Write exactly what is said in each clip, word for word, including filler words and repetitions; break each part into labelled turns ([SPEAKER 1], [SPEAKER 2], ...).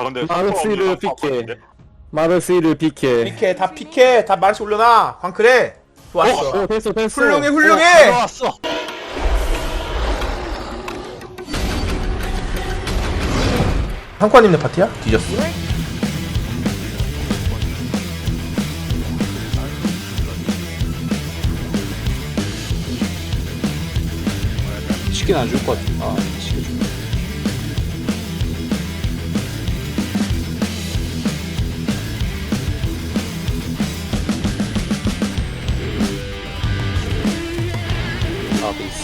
[SPEAKER 1] 아 근데
[SPEAKER 2] 마르시르 피케 마르시르 피케
[SPEAKER 3] 피케 다 피케 다 마르시 올려놔. 광클해. 좋았어.
[SPEAKER 2] 어 됐어 됐어
[SPEAKER 3] 훌륭해 훌륭해.
[SPEAKER 4] 들어왔어.
[SPEAKER 3] 한과님네 파티야? 뒤졌어.
[SPEAKER 4] 치킨 안 줄 것 같아. 아, 치킨 줄. 아, 베이스.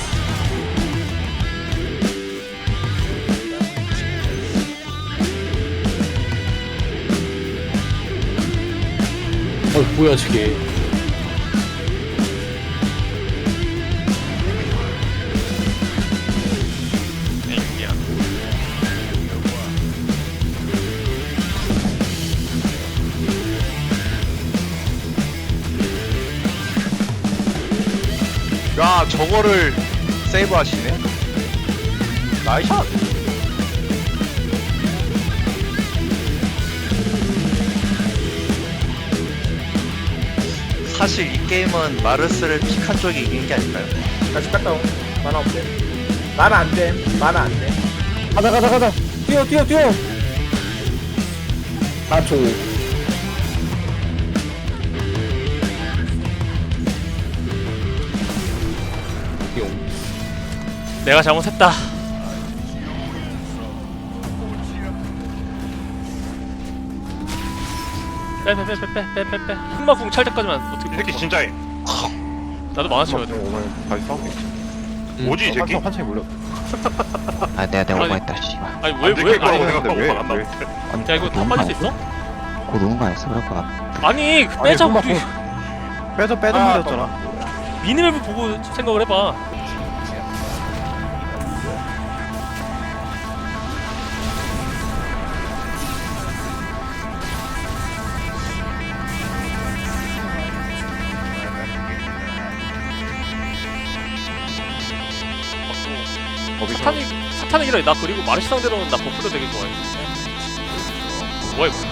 [SPEAKER 4] 어, 뭐야, 저게.
[SPEAKER 1] 야 저거를 세이브 하시네. 나이샷.
[SPEAKER 5] 사실 이 게임은 마르스를 픽한 쪽이 이긴 게 아닐까요?
[SPEAKER 3] 다시 갔다 오. 만화 없대. 만화 안 돼. 만화 안 돼.
[SPEAKER 2] 가자 가자 가자 뛰어 뛰어 뛰어 사 초
[SPEAKER 6] 내가 잘못했다. 빼빼빼빼빼빼빼. 흑마궁 찰 때까지만 어떻게?
[SPEAKER 1] 이 새끼 진짜해.
[SPEAKER 6] 나도 만화 쳐야 돼.
[SPEAKER 1] 오늘 다시 싸우겠지.
[SPEAKER 4] 음.
[SPEAKER 1] 뭐지 이 새끼?
[SPEAKER 2] 한창 몰려
[SPEAKER 7] 아 내가 내가
[SPEAKER 6] 아니,
[SPEAKER 7] 오버했다 씨발.
[SPEAKER 6] 아니
[SPEAKER 1] 안
[SPEAKER 6] 왜왜
[SPEAKER 1] 들킬 거라고
[SPEAKER 6] 아니
[SPEAKER 1] 생각하고
[SPEAKER 2] 왜,
[SPEAKER 1] 안
[SPEAKER 2] 왜?
[SPEAKER 1] 나왔대.
[SPEAKER 6] 야 이거 다 빠질 수 있어?
[SPEAKER 7] 고 누군 거 아니었어? 그럴 것 같아.
[SPEAKER 6] 아니 빼자
[SPEAKER 2] 아니,
[SPEAKER 6] 우리
[SPEAKER 2] 빼져 빼져
[SPEAKER 3] 아,
[SPEAKER 2] 물렸잖아
[SPEAKER 6] 미니맵을 보고 생각을 해봐. 사탄이 사탄이라 나 그리고 마르시 상대로는 나 버프도 되게 좋아해. 뭐야 이거?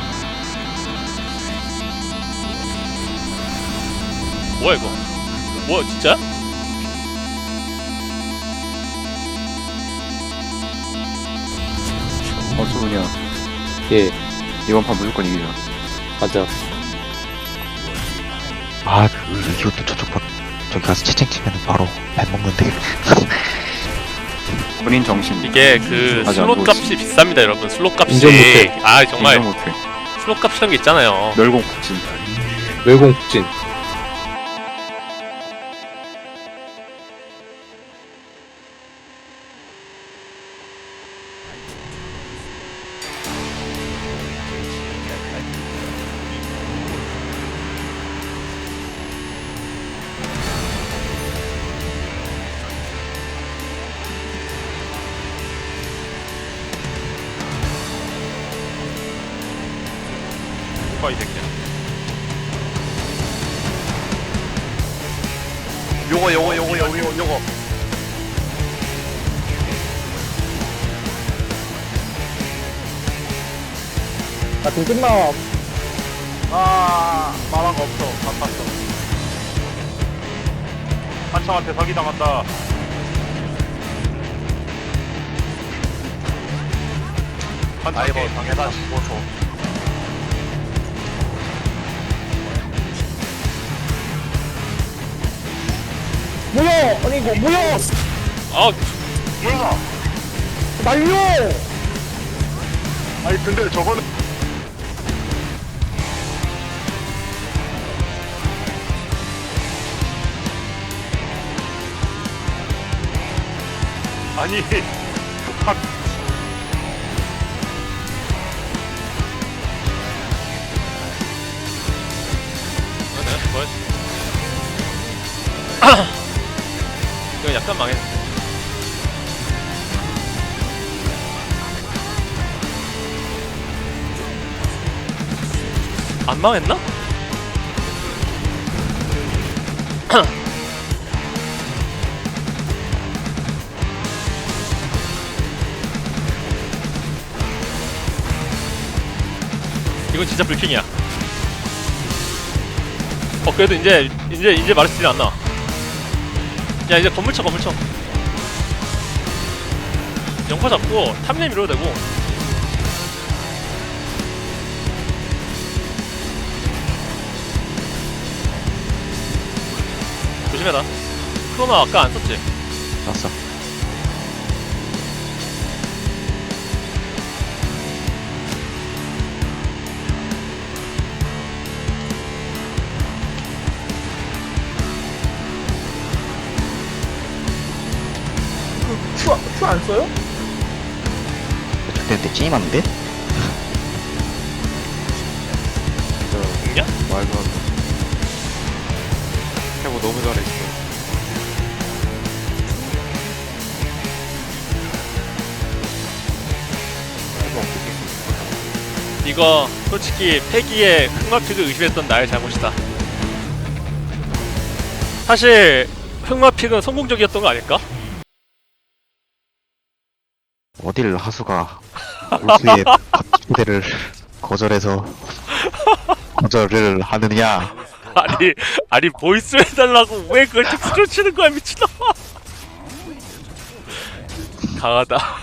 [SPEAKER 6] 뭐야 이거? 뭐야 진짜?
[SPEAKER 2] 어 수분이야
[SPEAKER 4] 예,
[SPEAKER 2] 이번 판 무조건 이기자
[SPEAKER 4] 맞아.
[SPEAKER 7] 아 그, 이것도 저쪽 봐. 저기 가서 채팅 치면 바로 밥 먹는데.
[SPEAKER 2] 본인 정신
[SPEAKER 6] 이게 그
[SPEAKER 2] 맞아,
[SPEAKER 6] 슬롯
[SPEAKER 2] 뭐
[SPEAKER 6] 값이 비쌉니다 여러분. 슬롯 값이
[SPEAKER 4] 인정 못해.
[SPEAKER 6] 아 정말
[SPEAKER 2] 인정 못해
[SPEAKER 6] 슬롯 값이란 게 있잖아요.
[SPEAKER 2] 멸공 폭진
[SPEAKER 4] 외공 북진.
[SPEAKER 1] 뭐가 이 새끼야. 요거 요거 요거 요거 요거 요거.
[SPEAKER 2] 나좀 끝나
[SPEAKER 1] 아 만화가 없어. 바빴어. 한창한테 사기당한다.
[SPEAKER 5] 아이고
[SPEAKER 1] 한창에
[SPEAKER 5] 당해다 십오 초.
[SPEAKER 2] 뭐야 아니 이거 뭐야
[SPEAKER 6] 아
[SPEAKER 1] 뭐야?
[SPEAKER 2] 날려
[SPEAKER 1] 아니 근데 저거는 아니 박
[SPEAKER 6] 내가 좋아했어. 이거 약간 망했는데. 안 망했나? 이건 진짜 불킹이야. 어 그래도 이제 이제 이제 마르스틸이 안 나. 야 이제 건물 쳐 건물 쳐. 영파 잡고 탐내 밀어도 되고. 조심해라. 크로나 아까 안 썼지?
[SPEAKER 7] 났어.
[SPEAKER 3] 큐 안 써요?
[SPEAKER 7] 그때 때 찐이 맞는데?
[SPEAKER 6] 죽냐?
[SPEAKER 2] 말도 안 돼. 해보 너무 잘했어.
[SPEAKER 6] 이거 솔직히 패기에 흑마픽을 의심했던 나의 잘못이다. 사실 흑마픽은 성공적이었던 거 아닐까?
[SPEAKER 7] 어딜 하수가 울수의 초대를 거절해서 거절을 하느냐?
[SPEAKER 6] 아니 아니 보이스 해달라고 왜 그걸 텍스트로 치는 거야 미친놈아. 강하다.